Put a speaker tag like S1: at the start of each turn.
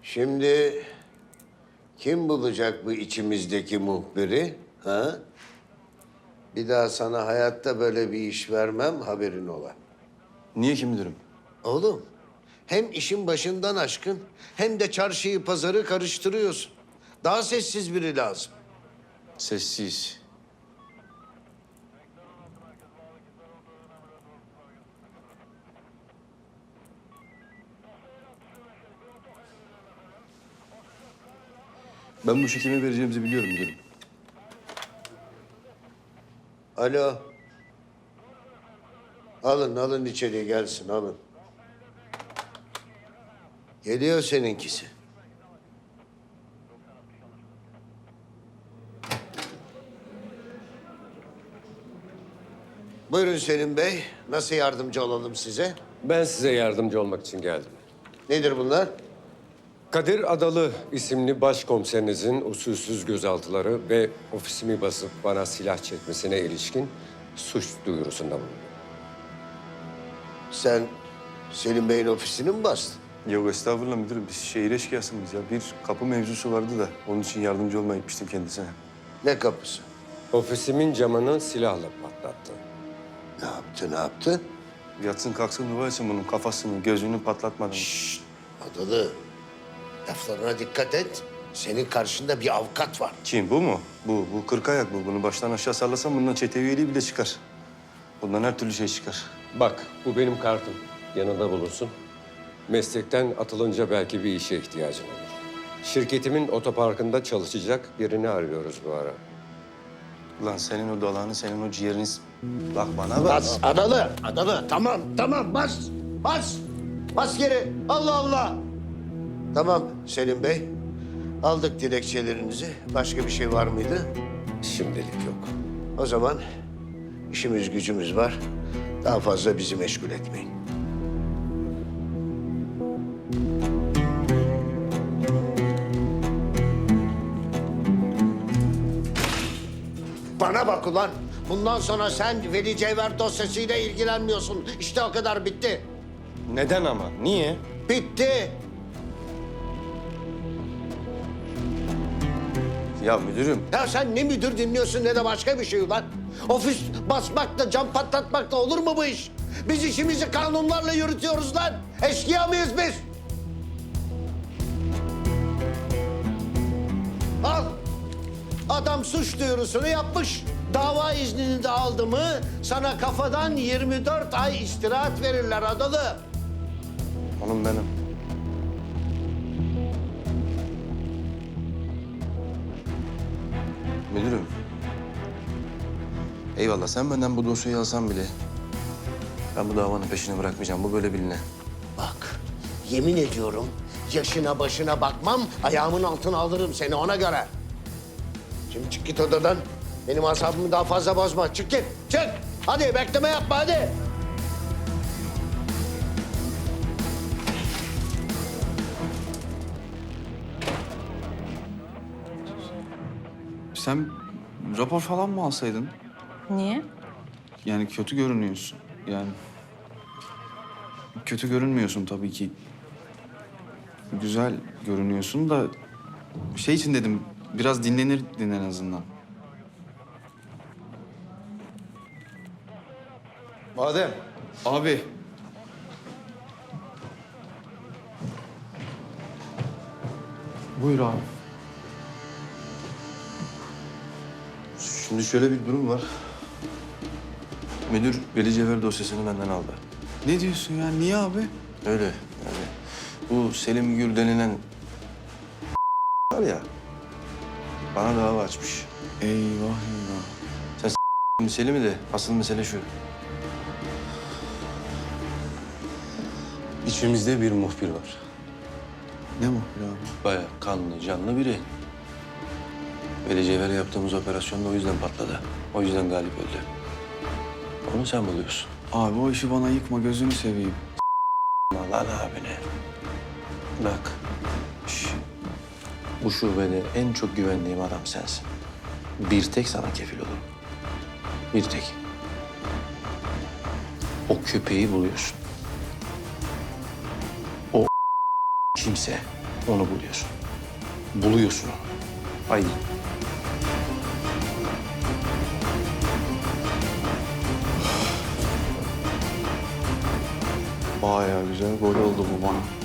S1: Şimdi kim bulacak bu içimizdeki muhbiri? Ha? Bir daha sana hayatta böyle bir iş vermem, haberin ola.
S2: Niye ki müdürüm?
S1: Oğlum, hem işin başından aşkın hem de çarşıyı pazarı karıştırıyorsun. Daha sessiz biri lazım.
S2: Sessiz. Ben bu işi kime vereceğimizi biliyorum müdürüm.
S1: Alo. Alın içeriye gelsin, alın. Geliyor seninkisi. Buyurun Selim Bey. Nasıl yardımcı olalım size?
S3: Ben size yardımcı olmak için geldim.
S1: Nedir bunlar?
S3: Kadir Adalı isimli başkomiserinizin usulsüz gözaltıları ve ofisimi basıp bana silah çekmesine ilişkin suç duyurusunda bulundum.
S1: Sen Selim Bey'in ofisini mi bastın?
S2: Yok estağfurullah müdürüm. Biz şehir eşkıyasıyız ya. Bir kapı mevzusu vardı da onun için yardımcı olmaya gitmiştim kendisine.
S1: Ne kapısı?
S3: Ofisimin camını silahla patlattı.
S1: Ne yaptı?
S2: Yatsın kalksın dua etsin bunun kafasını, gözünü patlatmadan.
S1: Adalı, laflarına dikkat et. Senin karşında bir avukat var.
S2: Kim bu mu? Bu kırk ayak bu. Bunu baştan aşağı sallasan bundan çete üyeliği bile çıkar. Bundan her türlü şey çıkar.
S3: Bak, bu benim kartım. Yanında bulunsun. Meslekten atılınca belki bir işe ihtiyacın olur. Şirketimin otoparkında çalışacak birini arıyoruz bu ara.
S2: Ulan senin o dalağını, senin o ciğerini... Bak bana bak.
S1: Bas Adalı. Tamam bas. Bas geri. Allah Allah. Tamam Selim Bey. Aldık dilekçelerinizi. Başka bir şey var mıydı?
S3: Şimdilik yok.
S1: O zaman işimiz gücümüz var. Daha fazla bizi meşgul etmeyin. Bana bak ulan. Bundan sonra sen Veli Cevher dosyasıyla ilgilenmiyorsun. İşte o kadar bitti.
S2: Neden ama? Niye?
S1: Bitti.
S2: Ya müdürüm.
S1: Ya sen ne müdür dinliyorsun ne de başka bir şey ulan. Ofis basmakla, cam patlatmakla olur mu bu iş? Biz işimizi kanunlarla yürütüyoruz lan. Eşkıya mıyız biz? Al. Adam suç duyurusunu yapmış. Dava iznini de aldı mı sana kafadan 24 ay istirahat verirler Adalı.
S2: Hanım benim. Müdürüm. Eyvallah sen benden bu dosyayı alsan bile... ...ben bu davanın peşini bırakmayacağım. Bu böyle biline.
S1: Bak, yemin ediyorum yaşına başına bakmam, ayağımın altına alırım seni ona göre. Şimdi çık git odadan. Benim asabımı daha fazla bozma. Çık git, çık. Hadi bekleme yapma hadi.
S4: Sen rapor falan mı alsaydın?
S5: Niye?
S4: Yani kötü görünüyorsun. Yani kötü görünmüyorsun tabii ki. Güzel görünüyorsun da şey için dedim biraz dinlenirdin en azından.
S2: Adem.
S4: Abi. Buyur abi.
S2: Şimdi şöyle bir durum var. Müdür Veli Cevher dosyasını benden aldı.
S4: Ne diyorsun ya? Niye abi?
S2: Öyle yani. Bu Selim Gür denilen var ya, bana dava açmış.
S4: Eyvah eyvah.
S2: Selim'i de asıl mesele şu. İçimizde bir muhbir var.
S4: Ne muhbir abi?
S2: Bayağı kanlı, canlı biri. Veli Cevher'e yaptığımız operasyonda o yüzden patladı. O yüzden galip öldü. Onu sen buluyorsun.
S4: Abi o işi bana yıkma gözünü seveyim.
S2: Lan abine. Bak. Bu şubede en çok güvendiğim adam sensin. Bir tek sana kefil olurum. Bir tek. O köpeği buluyorsun. O kimse Onu buluyorsun. Buluyorsun onu. Haydi.
S4: Bayağı güzel gol oldu bu bana.